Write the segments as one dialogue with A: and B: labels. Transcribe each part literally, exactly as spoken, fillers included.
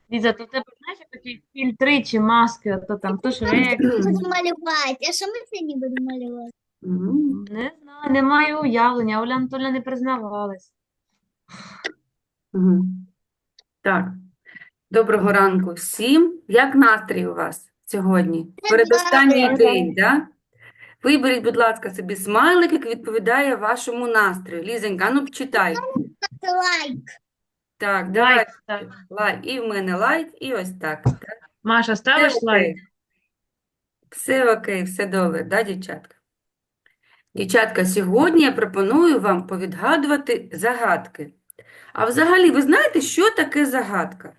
A: Ліза, то у тебе, знаєш, як такі фільтри чи маски, а то там то Шрек.
B: Буду малювати. А що ми сьогодні будемо малювати?
C: М,
A: Не знаю, не маю уявлення. Оля Анатольевна не признавалась.
C: мгм. Так, доброго ранку всім. Як настрій у вас сьогодні? Передостанній
B: Добре.
C: день, да? Виберіть, будь лайка, собі смайлик, який відповідає вашому настрою. Лізенька, а ну читай.
B: Лайк.
C: Так, давай.
A: Лайк став.
C: Лайк. І в мене лайк, і ось так. Так.
A: Маша,
C: Все
A: ставиш лайк?
C: окей. Все окей, все добре, да, дівчатка? Дівчатка, сьогодні я пропоную вам повідгадувати загадки. А взагалі, ви знаєте, що таке загадка?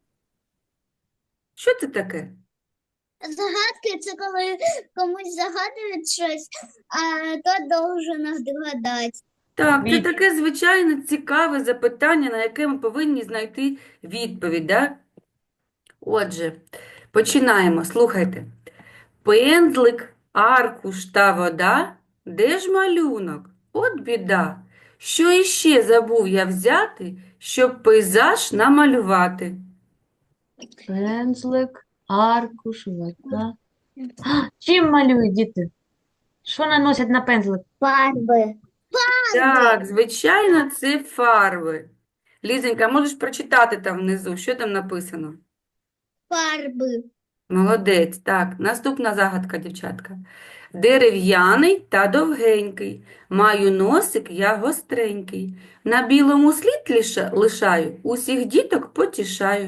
C: Що це таке?
B: Загадки це коли комусь загадують щось, а то должен догадати.
C: Так, це
A: Від.
C: таке звичайне цікаве запитання, на яке ми повинні знайти відповідь, да? Отже, починаємо. Слухайте. Пензлик, аркуш та вода. Де ж малюнок? От біда. Що іще забув я взяти, щоб пейзаж намалювати?
A: Пензлик, аркуш, вода. А, чим малюють діти? Що наносять на пензлик?
B: Фарби.
C: Так, звичайно, це фарби. Лізенька, можеш прочитати там внизу, що там написано?
B: Фарби.
C: Молодець. Так, наступна загадка, дівчатка. Дерев'яний та довгенький. Маю носик я гостренький. На білому слід лиша- лишаю, усіх діток потішаю.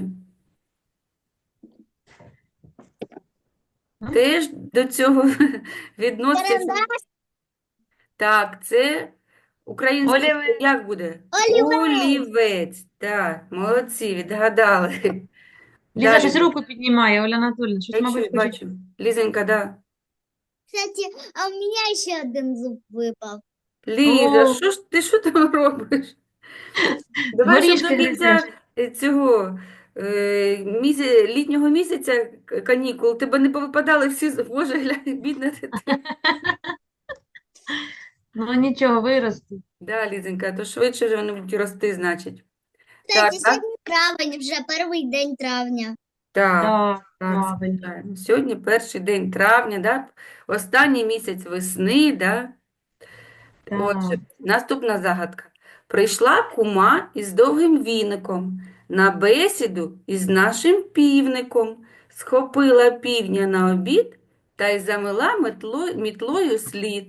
A: М?
C: Теж до цього відноситься.
B: Карандаш.
C: Так, це українською
A: Олівець.
C: як буде?
B: Олівець.
C: Олівець. Так, молодці, відгадали.
A: Ліза
C: Далі.
A: щось руку піднімає, Оля Анатольевна. Щось,
C: Я чую,
A: мабуть, хоче.
C: бачу. Лізенька, да.
B: Кстати, а у меня ще один зуб випав.
C: Ліза,
A: О,
C: що ж ти що там робиш? Давай, щоб до
A: горішки гризеш.
C: кінця е, цього е, міся, літнього місяця к- канікул тебе не повипадали всі з- Боже, глянь, бідна дитина.
A: Ну нічого, виросте.
C: Да, Лізенька, то швидше вже вони будуть рости, значить. Так,
B: Кстати,
C: так,
B: сьогодні травень, вже перший день травня.
C: так,
A: Так,
C: так,
A: правильно.
C: звичайно. Сьогодні перший день травня, да? Останній місяць весни, да? Отже,
A: Так.
C: наступна загадка. Прийшла кума із довгим віником на бесіду із нашим півником, схопила півня на обід та й замила метло, мітлою слід.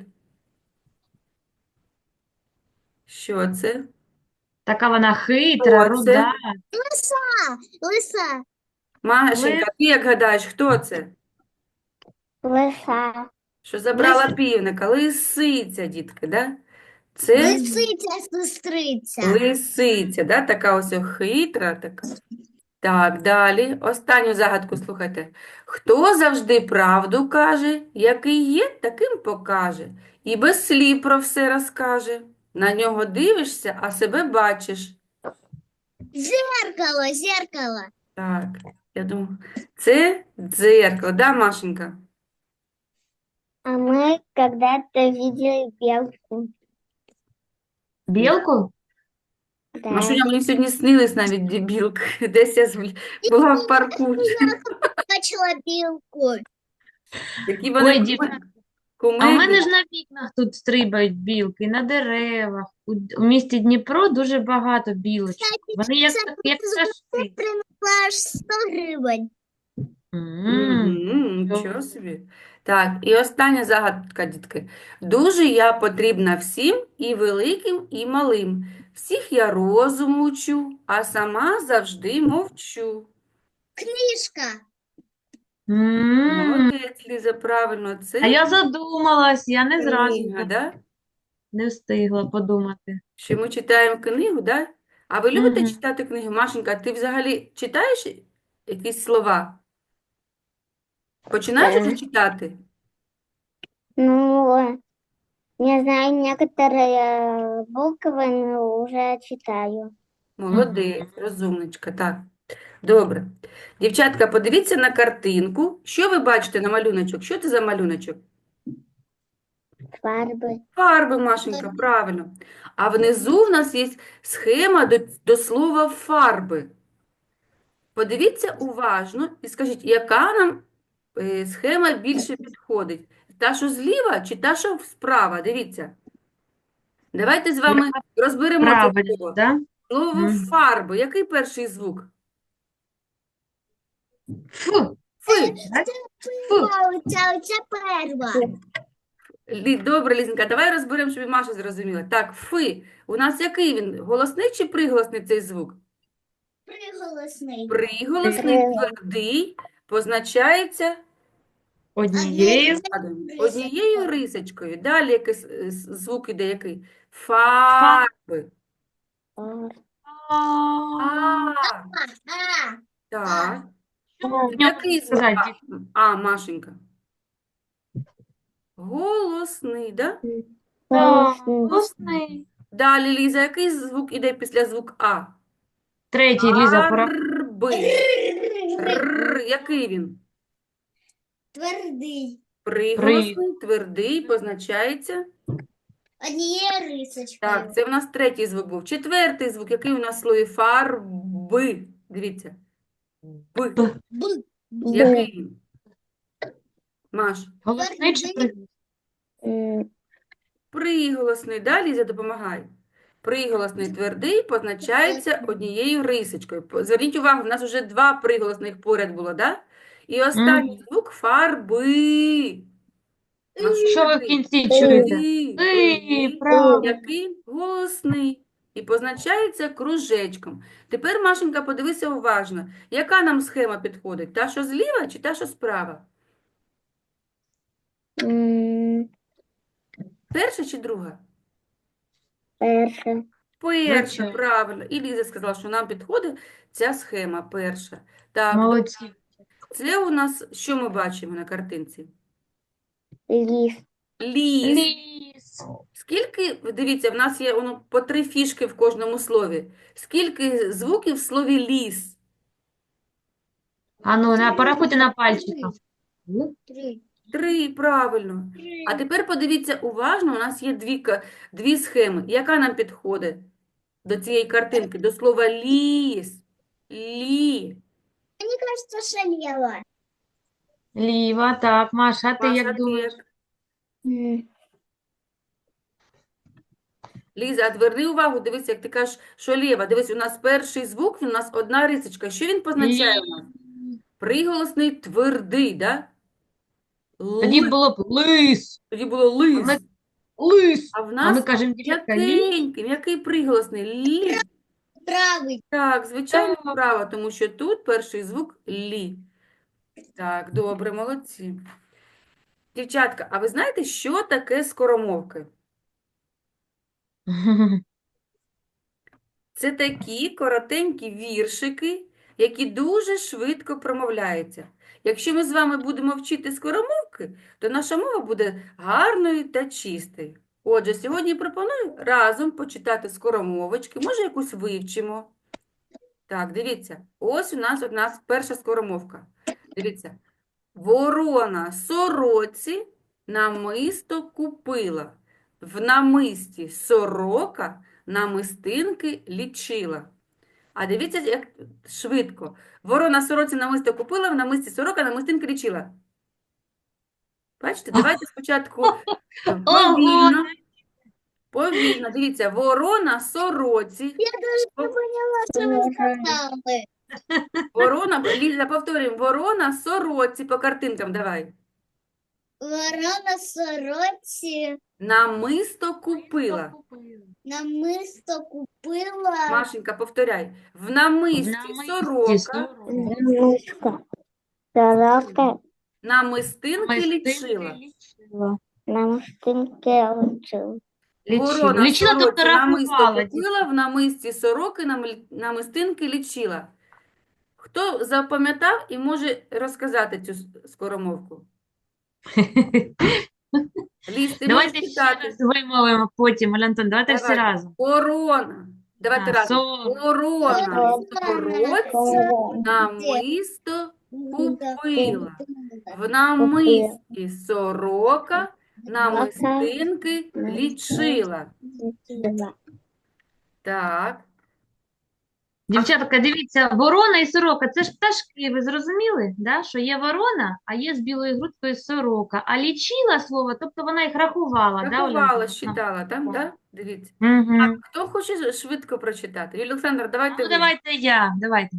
C: Що це?
A: Така вона хитра,
C: Хто
A: руда.
C: це?
B: Лиса. Лиса.
C: Машенька,
A: Лис.
C: ти як гадаєш, хто це?
B: Лиса.
C: Що забрала півника? Лисиця, дітки, да? Це
B: Лисиця, сестриця.
C: лисиця, да? Така ось хитра, така. Так, далі. Останню загадку слухайте. Хто завжди правду каже, який є, таким покаже. І без слів про все розкаже. На нього дивишся, а себе бачиш.
B: Зеркало, зеркало.
C: Так, я думаю, це дзеркало, да, Машенька?
B: А мы когда-то видели белку.
A: Білку?
B: Да.
C: Машуня, мені сьогодні снились навіть дебілки. Десь я звл- була в парку.
B: Бачила білку.
C: Які вони
A: Ой,
C: куме-
A: дівчата. А в
C: кумедні.
A: мене ж на вікнах тут стрибають білки, на деревах. У, у місті Дніпро дуже багато білочок.
B: Кстати,
A: Вони як,
B: це
A: як пташки.
B: принесла аж сто гривень.
A: М,
C: Мгм, нічого собі. Так, і остання загадка, дітки. Дуже я потрібна всім, і великим, і малим. Всіх я розуму учу, а сама завжди мовчу.
B: Книжка.
A: м.
C: Молодець, Ліза, правильно,
A: А
C: це
A: я задумалась, я не зразу
C: книга, да?
A: не встигла подумати.
C: Що ми читаємо книгу, да? А ви любите
A: Мгм.
C: читати книги? Машенька, ти взагалі читаєш якісь слова? Починаєш вже
B: Да.
C: читати?
B: Ну, не знаю, некоторые буквы, но уже читаю.
C: Молодець, розумничка, так. Добре. Дівчатка, подивіться на картинку. Що ви бачите на малюночок? Що це за малюночок?
B: Фарби.
C: Фарби, Машенька, правильно. А внизу в нас є схема до, до слова фарби. Подивіться уважно і скажіть, яка нам е, схема більше підходить? Та, що зліва, чи та, що справа? Дивіться. Давайте з вами розберемо це
A: Правильно,
C: слово.
A: да?
C: Слово
A: Мгм.
C: фарби. Який перший звук?
A: Фу,
C: Фи.
A: так? Фу.
B: Це, це перша.
C: Лі- Добре, Лізенька, давай розберемо, щоб і Маша зрозуміла. Так, фи. У нас який він? Голосний чи приголосний цей звук?
B: Приголосний.
C: Приголосний, твердий, позначається
A: Однією.
C: складом, однією рисочкою. Далі якийсь е, с- звук іде який?
A: Фа.
C: Фарби. А,
B: А,
C: так.
A: Що в ньому
C: Який звук?
A: сказати?
C: А, а, Машенька. Голосний, да?
A: Голосний.
C: Далі, Ліза, який звук іде після звук А?
A: Третій, Ліза, пора.
C: Фарби. Р, який він?
B: Твердий.
C: Приголосний, твердий, позначається.
B: Однією рисочкою.
C: Так, це в нас третій звук був. Четвертий звук, який у нас в слові фарби. Дивіться. Б.
A: Б.
B: Б.
C: Який він? Маш.
A: Голосний чи
B: Твердий.
A: приголосний?
C: Приголосний. Да, Ліза, допомагай. Приголосний твердий позначається однією рисочкою. По- Зверніть увагу, в нас вже два приголосних поряд було, да? І останній звук фарби. Ну,
A: Що ви в
C: який?
A: кінці чуєте?
C: И,
A: И,
C: и,
A: правильно.
C: який голосний. І позначається кружечком. Тепер, Машенька, подивися уважно. Яка нам схема підходить? Та, що зліва, чи та, що справа? Перша чи друга?
B: Перша.
C: Перша,
A: Звичайно.
C: правильно. І Ліза сказала, що нам підходить ця схема перша. Так,
A: Молодці.
C: це у нас, що ми бачимо на картинці?
B: Ліс.
C: Ліс.
A: Ліс.
C: Скільки, дивіться, в нас є воно по три фішки в кожному слові. Скільки звуків в слові ліс?
A: А ну, на, порахуйте на пальчиках.
B: Три.
C: Три, правильно. А тепер подивіться уважно, у нас є дві, ка- дві схеми. Яка нам підходить до цієї картинки? До слова ліс. Лі.
B: Мені кажется, що ліва.
A: Ліва, так. Маша, а ти
C: Маша,
A: як
C: ти
A: думаєш?
C: як? Ліза, а зверни увагу, дивись, як ти кажеш, що ліва. Дивись, у нас перший звук, він у нас одна рисочка. Що він позначає у нас?
A: Лі.
C: Приголосний твердий, да?
A: Тоді
C: Ли.
A: було б лис.
C: Тоді було
A: А ми
C: лис.
A: лис.
C: А в
A: А ми
C: нас
A: кажемо, дівчатка, ліс.
C: м'якенький, м'який приголосний. Лі.
B: Правий.
C: Так, звичайно,
A: Так.
C: право, тому що тут перший звук лі. Так, добре, молодці. Дівчатка, а ви знаєте, що таке скоромовки? Це такі коротенькі віршики, які дуже швидко промовляються. Якщо ми з вами будемо вчити скоромовки, то наша мова буде гарною та чистою. Отже, сьогодні пропоную разом почитати скоромовочки, може якусь вивчимо. Так, дивіться, ось у нас одна перша скоромовка. Дивіться. Ворона сороці намисто купила. В намисті сорока намистинки лічила. А дивіться, як швидко. Ворона сороці намисто купила, в намисті сорока намистинки лічила. Бачите, давайте спочатку е, повільно. Повільно. Дивіться, ворона сороці.
B: Я даже не поняла, що ви сказали.
C: Ворона, Ліза, повторюємо. Ворона сороці по картинкам давай.
B: Ворона сороці
C: Намисто купила.
B: намисто купила.
C: Машенька, повторяй. В намисті
A: Намисті
C: сорока
A: сорока.
B: Намисто. Сорока
C: намистинки
A: Намистинки
C: лічила.
A: лічила.
B: намистинки лучила.
A: Лічила.
C: Ворона
A: Лічила, тобто
C: сороці намисто
A: рахувала.
C: купила, в намисті сороки намл- намистинки лічила. Хто запам'ятав і може розказати цю с- скоромовку? Ліз, ти можеш
A: Давайте ще
C: читати.
A: раз вимовимо потім, Оля Антон, давайте всі
C: Давайте.
A: разом.
C: Ворона. Давайте
A: А,
C: разом.
A: сорок.
C: Ворона сороці
B: Ворона
C: намисто купила. В намисті сорока намистинки лічила. Так.
A: Дівчатка, дивіться, ворона і сорока це ж пташки, ви зрозуміли? Да? Що є ворона, а є з білою грудкою сорока. А лічила слово, тобто вона їх рахувала, да, Оля
C: Рахувала,
A: Анатоліївна?
C: считала, там, да? Дивіться.
A: Угу.
C: Хто хоче швидко прочитати? Юлія Олександр, давайте
A: Ну,
C: ви.
A: давайте я, давайте.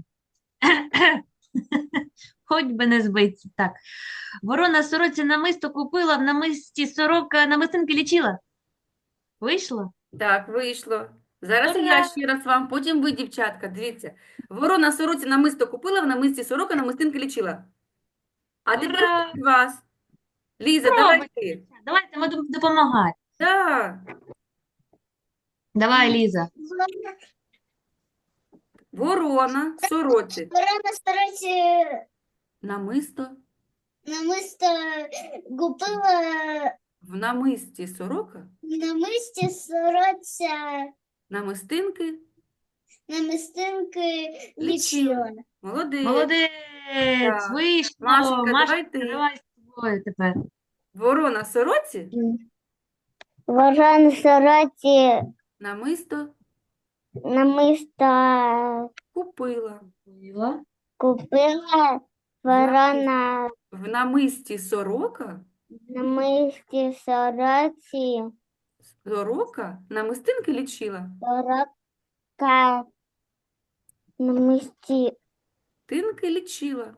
A: Хоч би не збиться. Так. Ворона сороці намисто купила, в намисті сорока намистинки лічила. Вийшло?
C: Так, вийшло. Зараз і я
A: Ура!
C: ще раз вам, потім ви, дівчатка, дивіться. Ворона сороці намисто купила, в намисті сорока намистинки лічила. А тепер
A: Ура!
C: від вас. Ліза, давай
A: Пробуйте.
C: ти.
A: Давайте ми будемо допомагати.
C: Так.
A: Давай, Ліза.
C: Ворона сороці
B: Ворона старається
C: намисто
B: намисто купила
C: в намисті сорока
B: намисті сорочця
C: намистинки
B: намистинки
C: лічила.
B: лічила.
C: Молодець.
A: Молодець,
C: Так.
A: вийшло.
C: Машенька,
A: Машенька,
C: давай ти.
A: давай з тобою тепер.
C: Ворона сороці
B: Ворона сороці
C: намисто
B: намисто
C: купила.
A: Купила.
B: купила. Ворона
C: В намисті сорока
B: намисті сороці
C: сорока намистинки лічила.
B: сорока намисті
C: Тинки лічила.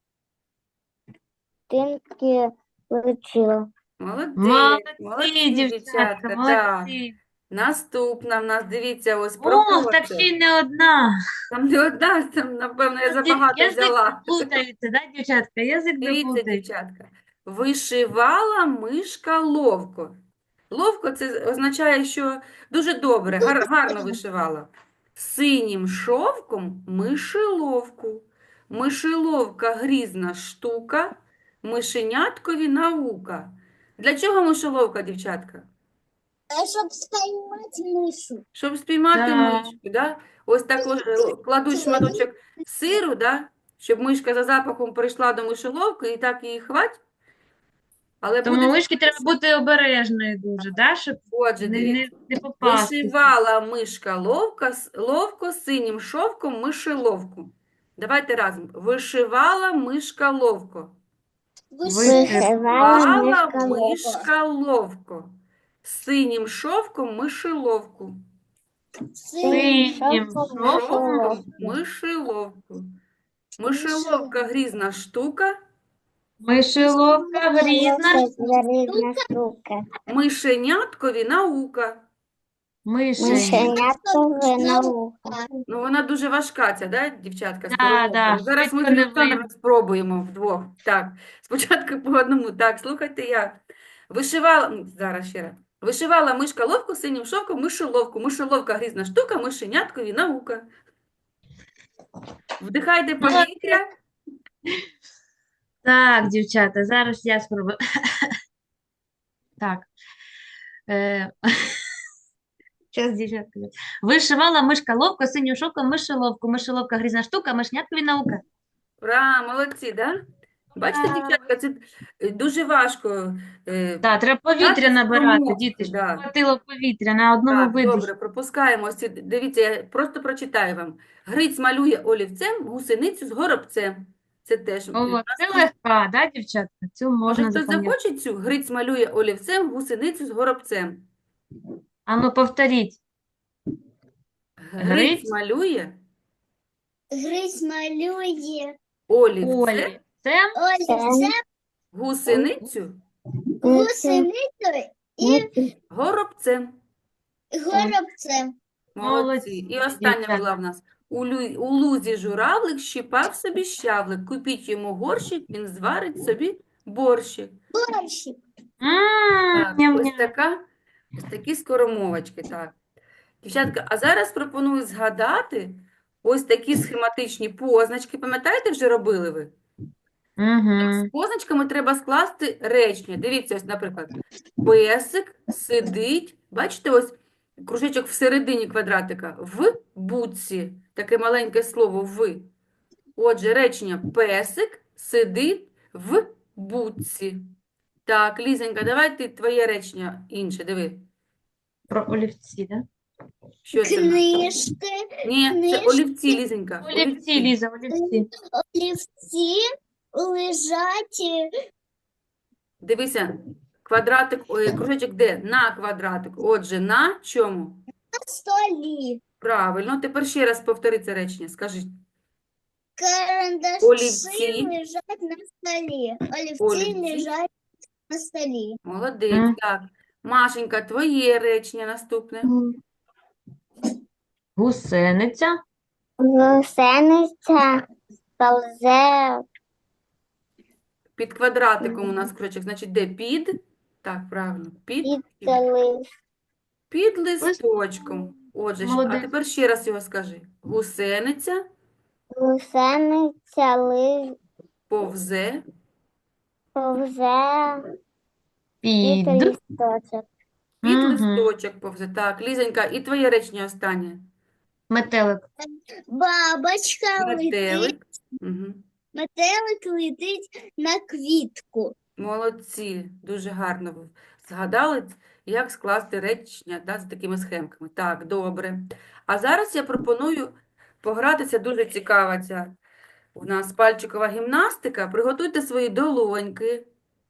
B: тинки лічила.
C: Молодець.
A: Молодці,
C: Молодці,
A: дівчатка,
C: дівчатка. Так.
A: молодці.
C: Наступна в нас, дивіться, ось про
A: Ох,
C: кого
A: так
C: це?
A: ще й не одна.
C: Там не одна, там, напевно, я
A: Язик,
C: забагато
A: язик
C: взяла.
A: заплутається, да, дівчатка? Язик
C: Дивіться,
A: заплутається.
C: дівчатка. Вишивала мишка ловко. Ловко це означає, що дуже добре, гар- гарно вишивала. Синім шовком мишеловку. Мишеловка грізна штука, мишеняткові наука. Для чого мишеловка, дівчатка?
B: А щоб спіймати мишу.
C: Щоб спіймати
A: Так.
C: мишку, да? Ось так ось, е, кладуть шматочок сиру, да? Щоб мишка за запахом прийшла до мишоловки і так її хвать. Але
A: Тому
C: буде
A: мишки треба бути обережною дуже, да, щоб
C: Отже,
A: не, не,
C: дивіться.
A: не попастися.
C: Вишивала мишка ловко, с- ловко синім шовком мишеловку. Давайте разом. Вишивала мишка ловко.
A: Вишивала
C: Вала мишка ловко. Синім шовком мишеловку.
A: Синім
C: Шовком
A: шовком
C: мишеловку. Мишеловка грізна штука.
A: мишеловка грізна,
B: штука.
C: Мишеняткові наука.
A: мишень.
B: Мишеняткове наука.
C: Ну, вона дуже важка, ця, да, дівчатка, з
A: Да,
C: переводом.
A: да,
C: Зараз ми з
A: швидко не
C: Олександром
A: вийде.
C: спробуємо вдвох. Так, спочатку по одному. Так, слухайте як. Вишивала, м, зараз ще раз. Вишивала мишка ловку синім шовком мишеловку. Мишеловка грізна штука, мишеняткові наука. Вдихайте повітря.
A: Так, дівчата, зараз я спробую. Так. Е... Зараз, дівчатка. Вишивала мишка ловко, синім шовком мишеловку. Мишеловка грізна штука, мишняткові наука.
C: Ура, молодці, да? Бачите,
A: Ура.
C: дівчатка, це е, дуже важко. е,
A: Так, треба повітря
C: Дати
A: набирати,
C: спромогти,
A: діти, щоб
C: да.
A: хватило повітря на одному
C: Так,
A: видихі.
C: добре, пропускаємо. Ось ці- Дивіться, я просто прочитаю вам. Гриць малює олівцем гусеницю з горобцем. Це теж. у
A: О,
C: нас
A: це
C: тут-
A: легка, да, дівчатка? Цю
C: Може,
A: можна
C: хтось
A: запам'ятати.
C: захоче цю? Гриць малює олівцем гусеницю з горобцем.
A: А ну, повторіть.
C: Гриць
A: Гриць
C: малює
B: Гризь малює.
C: олівцем
A: Олі. Це
B: Олівцем,
C: гусеницю
B: гусеницею і
C: горобцем.
B: горобцем.
C: Молодці.
A: Молодці,
C: І остання
A: дівчата.
C: була в нас. У, лю- у лузі журавлик щипав собі щавлик. Купіть йому горщик, він зварить собі борщик.
B: Борщик.
A: М,
C: Так,
A: ням-ням.
C: ось така, ось такі скоромовочки, так. Дівчатка, а зараз пропоную згадати ось такі схематичні позначки. Пам'ятаєте, вже робили ви?
A: Мгм.
C: З позначками треба скласти речення. Дивіться, ось, наприклад, песик сидить, бачите, ось кружечок всередині квадратика, в будці, таке маленьке слово в. Отже, речення песик сидить в будці. Так, Лізенька, давай ти твоє речення інше, диви.
A: Про олівці, да?
C: Що це в нас?
B: Книжки,
C: Ні, це
B: книжки,
C: олівці, Лізенька.
A: Олівці,
C: Олівці.
A: Ліза, олівці.
B: олівці лежать
C: Дивися, квадратик, ой, кружечок де? На квадратик. Отже, на чому?
B: на столі.
C: Правильно. Тепер ще раз повтори це речення. Скажи.
B: Карандаші
C: Олівці.
B: лежать на столі. Олівці
C: Олівці.
B: лежать на столі.
C: Молодець,
A: М.
C: так. Машенька, твоє речення наступне.
A: Гусениця.
B: Гусениця повзе
C: Під квадратиком у нас кружечок. Значить, де під? Так, правильно. Під,
B: під лист.
C: під листочком. Отже, щ- а
A: Молодець.
C: тепер ще раз його скажи. Гусениця
B: Гусениця ли
C: повзе
B: повзе під
A: Під.
B: листочок.
C: під
A: Мгм.
C: листочок повзе. Так, Лізонька, і твоє речення останнє.
A: Метелик.
B: Бабочка летить,
C: Метелик. Угу.
B: метелик летить на квітку.
C: Молодці, дуже гарно ви згадали, як скласти речення, да, з такими схемками. Так, добре. А зараз я пропоную погратися, дуже цікава ця у нас пальчикова гімнастика. Приготуйте свої долоньки.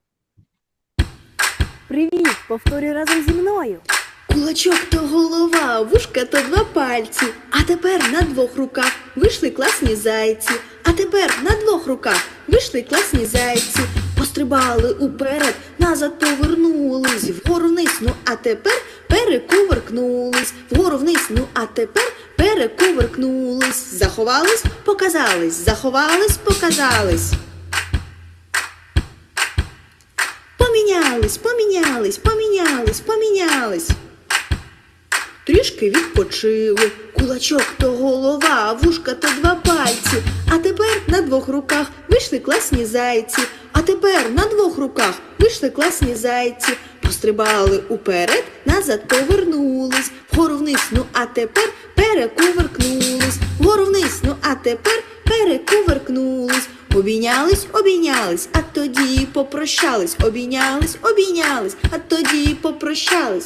D: Привіт, повторюй разом зі мною.
E: Кулачок то голова, вушка то два пальці. А тепер на двох руках вийшли класні зайці. А тепер на двох руках вийшли класні зайці. Пострибали уперед, назад повернулись, вгору вниз, ну а тепер перекувыркнулись, вгору вниз, ну а тепер перекувыркнулись. Заховались, показались, заховались, показались. Помінялись, помінялись, помінялись, помінялись. Трішки відпочили, кулачок то голова, вушка то два пальці. А тепер на двох руках вийшли класні зайці. А тепер на двох руках вийшли класні зайці. Пострибали уперед, назад повернулись, вгору вниз, ну а тепер перекувыркнулись, вгору вниз, ну а тепер перекувыркнулись. Обійнялись, обійнялись, а тоді попрощались. Обійнялись, обійнялись, а тоді попрощались.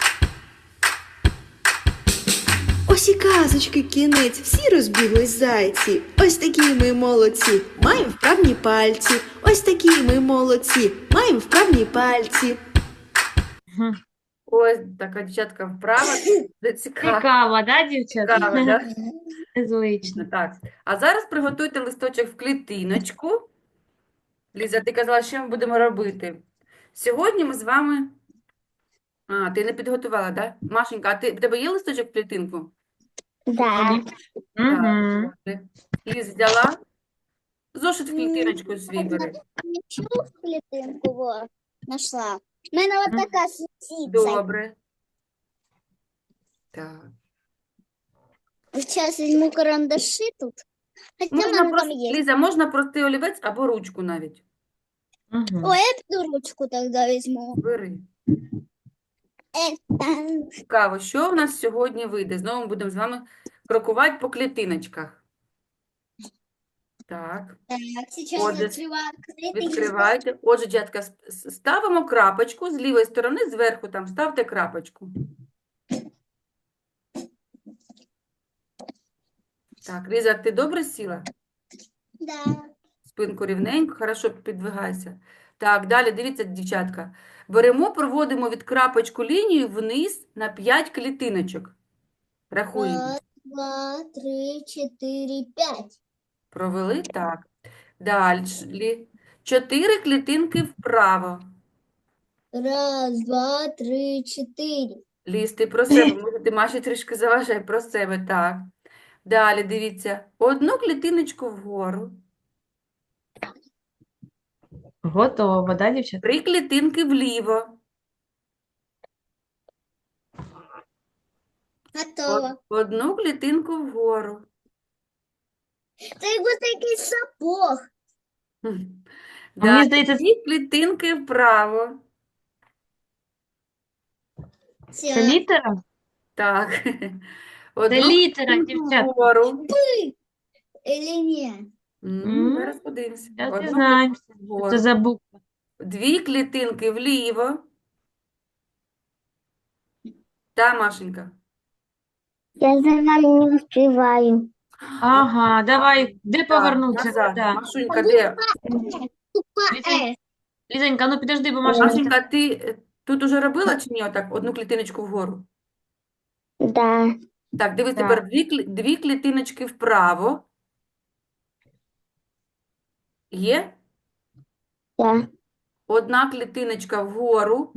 E: Ось і казочки кінець, всі розбіглись зайці. Ось такі ми молодці, маємо вправні пальці. Ось такі ми молодці, маємо вправні пальці.
A: Мгм.
C: Ось така дівчатка вправа. Це цікаво.
A: Цікаво, да, дівчата?
C: Цікаво, да?
A: Незвично.
C: Так. А зараз приготуйте листочок в клітиночку. Ліза, ти казала, що ми будемо робити? Сьогодні ми з вами... А, ти не підготувала, да? Машенька, а ти, в тебе є листочок в клітинку?
B: Да.
A: Мгм.
C: добре. Ліз взяла? Зошит в клітиночку свій бери.
B: Нічого в клітинку во, знайшла. У мене от
A: Мгм.
B: така сітця.
C: Добре. Так.
B: Зараз візьму карандаші тут. Хоча в
C: Можна
B: мене там
C: просто,
B: є.
C: Ліза, можна простий олівець або ручку навіть.
A: Мгм.
B: Ой, я піду ручку тоді візьму.
C: Бери.
B: Е, там.
C: Цікаво, що в нас сьогодні вийде? Знову ми будемо з вами крокувати по клітиночках. Так,
B: Так, зараз
C: Отже,
B: відкриваю клітинку.
C: відкривайте. Отже, дівчатка, с- с- ставимо крапочку з лівої сторони, зверху там ставте крапочку. Так, Ліза, ти добре сіла?
B: Да.
C: Спинку рівненько, хорошо підвигайся. Так, далі, дивіться, дівчатка. Беремо, проводимо від крапочку лінію вниз на п'ять клітиночок. Рахуємо.
B: Раз, два, три, чотири, п'ять.
C: Провели? Так. Далі. Чотири клітинки вправо.
B: Раз, два, три, чотири.
C: Ліз, ти про себе. Може, ти Маші трішки заважай про себе. Так. Далі, дивіться. Одну клітиночку вгору.
A: Готово, да, дівчата?
C: Три клітинки вліво.
B: Готово.
C: Одну клітинку вгору.
B: Це як будто якийсь сапог.
C: Хм.
A: А мені
C: Далі.
A: здається,
C: Дві клітинки вправо.
A: це
B: Все.
A: літера?
C: Так.
A: Це
C: Одну
A: літера,
C: клітинку
A: дівчата.
C: вгору.
B: Или ні?
C: М,
A: М,
C: Зараз подивимося.
A: Зараз
C: Одну
A: дізнаємося,
C: клітинку
A: що
C: вгору.
A: це за буква.
C: Дві клітинки вліво. Та, Машенька.
B: Я за вами не успеваю.
A: Ага, давай, де
C: Так,
A: повернутися?
C: назад.
A: Да.
C: Машунька, де?
B: Буква
A: Лізонька,
B: Э.
A: Лізонька, ну підожди, бо Маша не
C: Машенька, ти е, тут уже робила чи ні? Отак, одну клітиночку вгору.
B: Да.
C: Так, дивись,
A: Так.
C: тепер дві, клі- дві клітиночки вправо. Є?
B: Да.
C: Одна клітиночка вгору.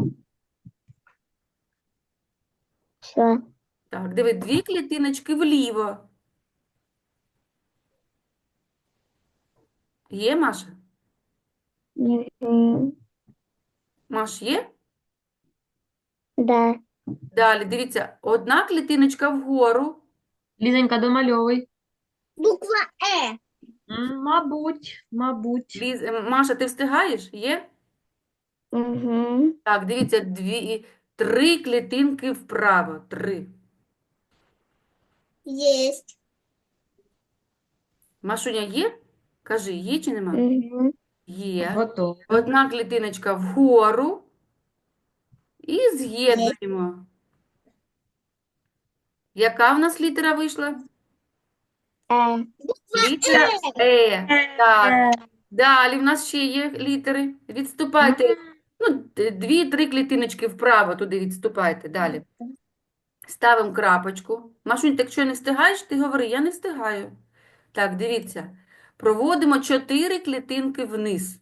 B: Все.
C: Так, диви, дві клітиночки вліво. Є, Маша? Маш, є?
B: Да.
C: Далі, дивіться, одна клітиночка вгору.
A: Лізонька, домальовуй.
B: Буква Э.
A: М, Мабуть, мабуть.
C: Ліз... е, Маша, ти встигаєш? Є?
B: Угу.
C: Так, дивіться, дві, три клітинки вправо. Три.
B: Есть.
C: Машуня, є? Кажи, є чи нема?
B: Угу.
C: Є.
A: Готово.
C: Одна клітиночка вгору. І з'єднуємо. Яка в нас літера вийшла?
B: Э.
C: Літера Е. Так. Далі в нас ще є літери. Відступайте. Ну, д- дві-три клітиночки вправо туди відступайте. Далі. Ставимо крапочку. Машунь, так якщо не встигаєш, ти говори, я не встигаю. Так, дивіться. Проводимо чотири клітинки вниз.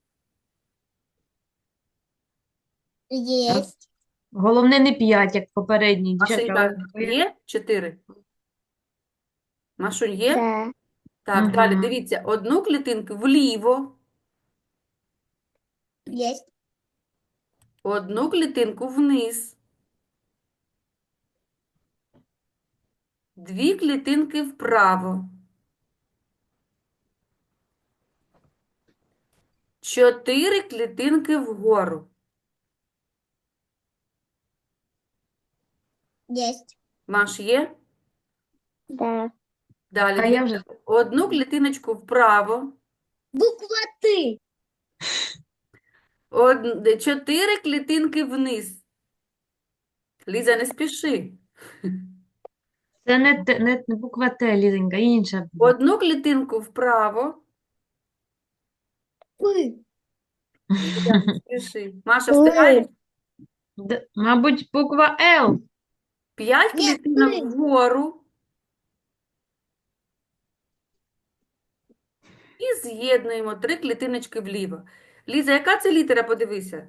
B: Есть.
A: Головне не п'ять, як попередній. Дівчатка,
C: Машенька,
A: ви-
C: є? Чотири. Машунь, є?
B: Да.
C: Так,
A: Мгм.
C: далі, дивіться. Одну клітинку вліво,
B: Есть.
C: одну клітинку вниз. Дві клітинки вправо. Чотири клітинки вгору.
B: Есть.
C: Маш, є?
B: Да.
C: Далі,
A: А я
C: дивіться.
A: вже
C: Одну клітиночку вправо.
B: Буква Ты.
C: Од... Чотири клітинки вниз. Ліза, не спіши.
A: це не, те- не, не буква Т, Лізонька, інша буде.
C: Одну клітинку вправо.
B: Пы.
C: Ліза, не спіши. Маша,
B: Ой.
C: встигаєш?
A: Д- Мабуть, буква Л.
C: П'ять
B: Ні,
C: клітинок
B: три.
C: вгору. І з'єднуємо три клітиночки вліво. Ліза, яка це літера, подивися?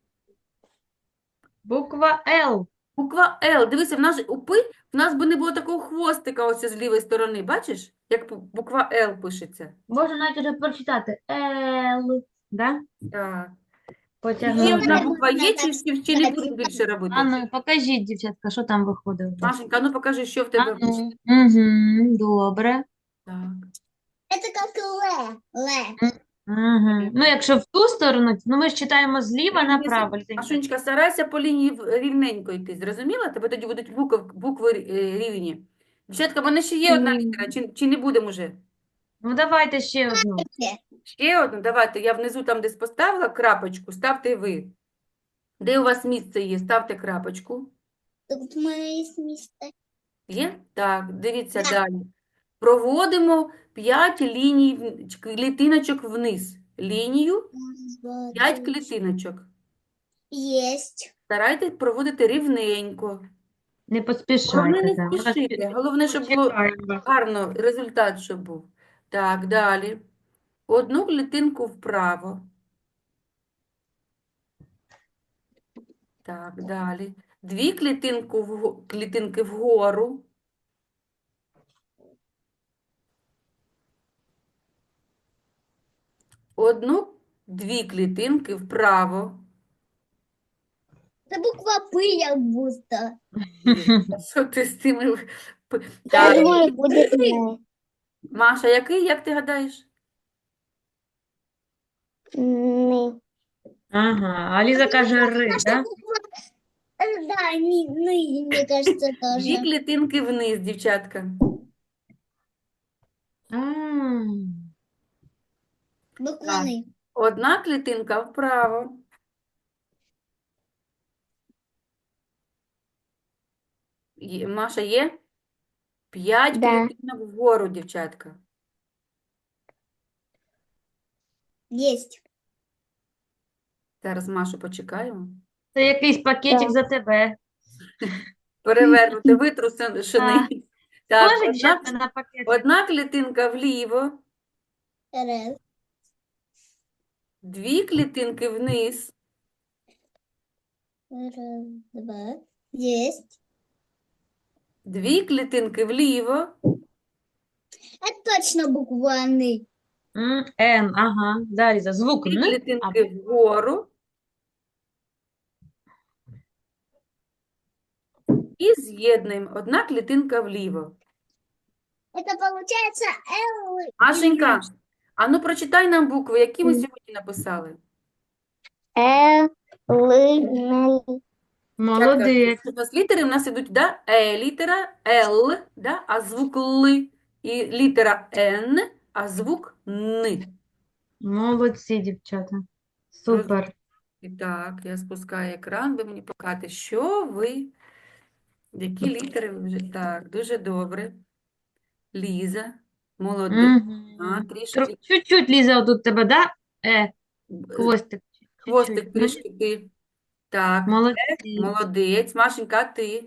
A: Буква Л.
C: Буква Л. Дивися, в нас же у Пи в нас би не було такого хвостика ось з лівої сторони. Бачиш, як бу- буква Л пишеться?
A: Можна навіть уже прочитати. Л. Да?
C: Так. Ще
A: Потягнули.
C: одна
B: Можна
C: буква є,
B: так
C: чи, чи, чи не
B: сказати.
C: будеш більше робити?
A: А ну, покажіть, дівчатка, що там виходить. у вас.
C: Машенька, ну покажи, що в
A: А
C: тебе вийшло.
A: ну. Угу, добре.
C: Так.
B: Это как Ле. Ле.
A: Угу. Ну, якщо в ту сторону, ну ми ж читаємо зліва
C: Рівні
A: направо.
C: с-
A: Лізонька.
C: Машунечка, старайся по лінії в- рівненько йти. Зрозуміла? Тебе тоді будуть букви, букви е, рівні. Дівчатка, в мене ще є одна
B: Мгм.
C: літера, чи, чи не будемо вже?
A: Ну, давайте ще одну.
C: Ще одну, давайте. Я внизу там, де поставила крапочку, ставте ви. Де у вас місце є, ставте крапочку.
B: Тут мы есть место.
C: Є? Так, дивіться
B: Да.
C: далі. Проводимо п'ять ліній, в- ч- клітиночок вниз. Лінію,
B: Раз, два,
C: п'ять
B: три.
C: клітиночок.
B: Есть.
C: Старайтесь проводити рівненько.
A: Не
C: Головне
A: поспішайте.
C: не
A: да. Ми вас
C: спішити. Головне, щоб було
A: почекаємо.
C: гарно, результат, щоб був. Так, далі. Одну клітинку вправо. Так, далі. Дві клітинку вго- клітинки вгору. Одну, дві клітинки вправо.
B: Это буква П, як будто.
C: А що ти з цими... п-
B: Я
C: Так,
B: думаю, будет Ле.
C: Маша, який, як ти гадаєш?
B: Ны.
A: Ага, а Ліза каже ри,
B: Наша
A: да?
B: буква Э, Да, ни, ны, мне кажется,
C: Дві
B: тоже.
C: клітинки вниз, дівчатка.
A: М.
B: Буква
C: Так.
B: Ны.
C: Одна клітинка вправо. Є- Маша, є? П'ять
B: Да.
C: клітинок вгору, дівчатка.
B: Есть.
C: Зараз Машу почекаємо.
A: Це якийсь пакетик
B: Так.
A: за тебе.
C: Перевернути, витрушений. Так,
A: Може,
C: одна,
A: дівчатка, на пакетик?
C: одна клітинка вліво,
B: Раз.
C: дві клітинки вниз,
B: Раз, два. Есть.
C: дві клітинки вліво,
B: Это точно буква Н.
A: М, Н, ага. Далі за звук
C: дві
A: Н.
C: клітинки вгору і з'єднуємо. Одна клітинка вліво.
B: Это получается Л.
C: Машенька, а ну прочитай нам букви, які ми сьогодні написали.
B: Л. Н.
A: Молодець.
C: У нас літери в нас ідуть, да? Е, літера Л, да? А звук Л. І літера Н, а звук Н.
A: Молодці, дівчата. Супер.
C: І так, я спускаю екран, ви мені покажете, що ви, які літери ви вже. Так, дуже добре. Ліза, молодець. А,
A: Мгм.
C: трішки.
A: Тро- Чуть-чуть, Ліза, отут тебе, да? Е, хвостик.
C: Хвостик
A: Чуть-чуть. Ну,
C: трішки ти. Так,
A: молодці.
C: молодець. Машенька, а ти?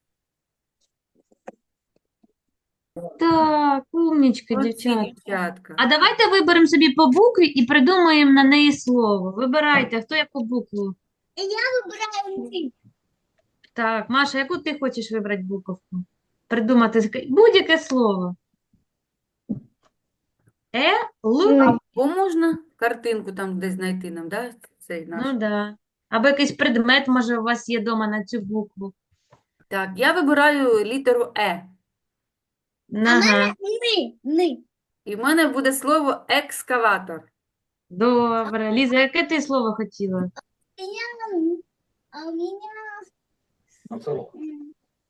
A: Так, умнічки,
C: Молодці,
A: дівчата.
C: дівчатка.
A: А давайте виберемо собі по букві і придумаємо на неї слово. Вибирайте, хто яку букву.
B: Выбираем Н.
A: Так, Маша, яку ти хочеш вибрати буковку? Придумати з- будь-яке слово. Е, Л,
C: Або можна картинку там десь знайти нам, да? Цей наш.
A: ну да. Або якийсь предмет, може, у вас є вдома на цю букву.
C: Так, я вибираю літеру Е.
A: Ага,
B: Н. Н.
C: І в мене буде слово екскаватор.
A: добре. Ліза, яке ти слово хотіла?
B: Н. А у меня... М.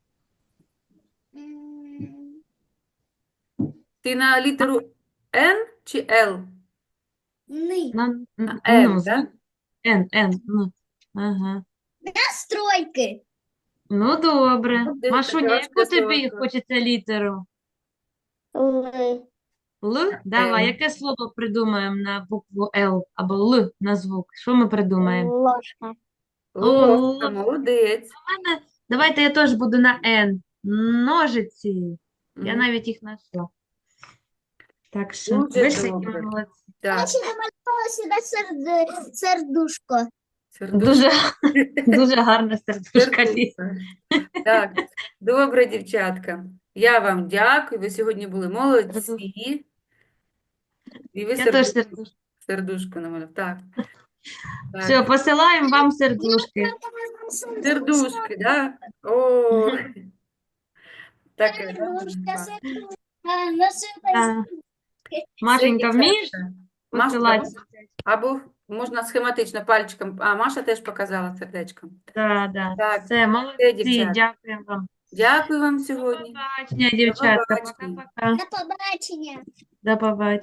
B: М.
C: Ти на літеру Н чи Л?
B: Н.
A: На, н-
C: На
A: ну,
C: Н,
A: звук.
C: да?
A: Н, Н, ну. Ага.
B: Настройки.
A: Ну, добре.
C: Ну, де-
A: Машуня,
C: давай
A: яку
C: ще
A: тобі
C: слово.
A: хочеться літеру?
B: Л.
A: Л? Давай,
C: Л.
A: яке слово придумаємо на букву Л або Л на звук? Що ми придумаємо?
B: Ложка.
C: Ложка,
A: О.
C: молодець.
A: мене- Давайте я теж буду на Н. Ножиці. Я
C: Мгм.
A: навіть їх знайшла. Так що,
C: Дуже
A: ви сьогодні
C: добре.
A: молодці.
C: Так,
B: Значит, намалевала сюда серде- сердушко.
C: сердушка.
A: Дуже, дуже гарне сердечко, Ліза.
C: Сердушка. Так, добре, дівчатка. Я вам дякую. Ви сьогодні були молодці. І ви
A: Я теж
C: сердушку,
A: сердечко.
C: сердушку намалювали. Так. Так.
A: Все, посилаємо вам сердушки.
C: Сердушки, да? О, таке, да,
B: Сердушка,
C: так.
B: сердушка. Насыпай.
A: Да. Машенька,
C: Все,
A: вмієш
C: дівчатка. Маша,
A: посилати?
C: або можна схематично пальчиком. А, Маша теж показала сердечком.
A: Да, да.
C: Так,
A: Все, молодці,
C: дівчата.
A: дякуємо вам.
C: дякую вам
A: До
C: сьогодні.
A: побачення, дівчатка.
C: побачення.
A: Пока-пока.
B: До побачення.
A: До побачення.